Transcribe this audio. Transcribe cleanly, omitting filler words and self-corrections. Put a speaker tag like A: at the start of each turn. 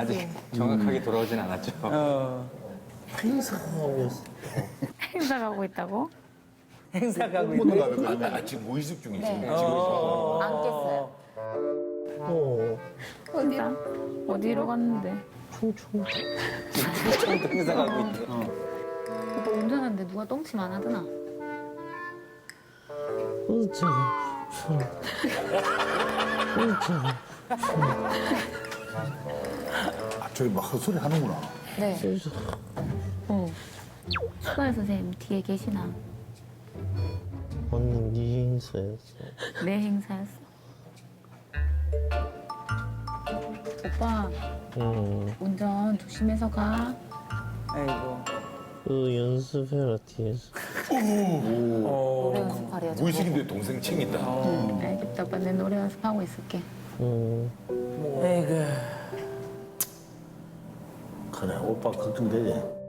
A: 아직 정확하게 돌아오진 않았죠.
B: 행사 가고 있어.
C: 행사 가고 있다고?
B: 행사 가고 있어.
D: 오늘 가면 지금 모의습 중이지.
E: 네.
D: 지금 있어.
E: 안 깼어요.
C: 행사? 어디로 갔는데?
B: 충청.
A: 행사 가고 있대.
C: 오빠 운전하는데 누가 똥침 안 하더나?
B: 어쩌고.
D: 아, 저기 막 헛소리 하는구나.
E: 네.
C: 수가연 선생님 뒤에 계시나?
B: 언니 네 행사였어.
C: 내 행사였어. 오빠 운전 조심해서 가.
F: 아이고.
B: 그 연습해라 뒤에서.
E: 노래 연습하래요. 저거.
D: 모의식인데 동생 챙긴다.
C: 알겠다 오빠 내 노래 연습하고 있을게.
F: 아이고.
G: 그래, 오빠 걱정되지?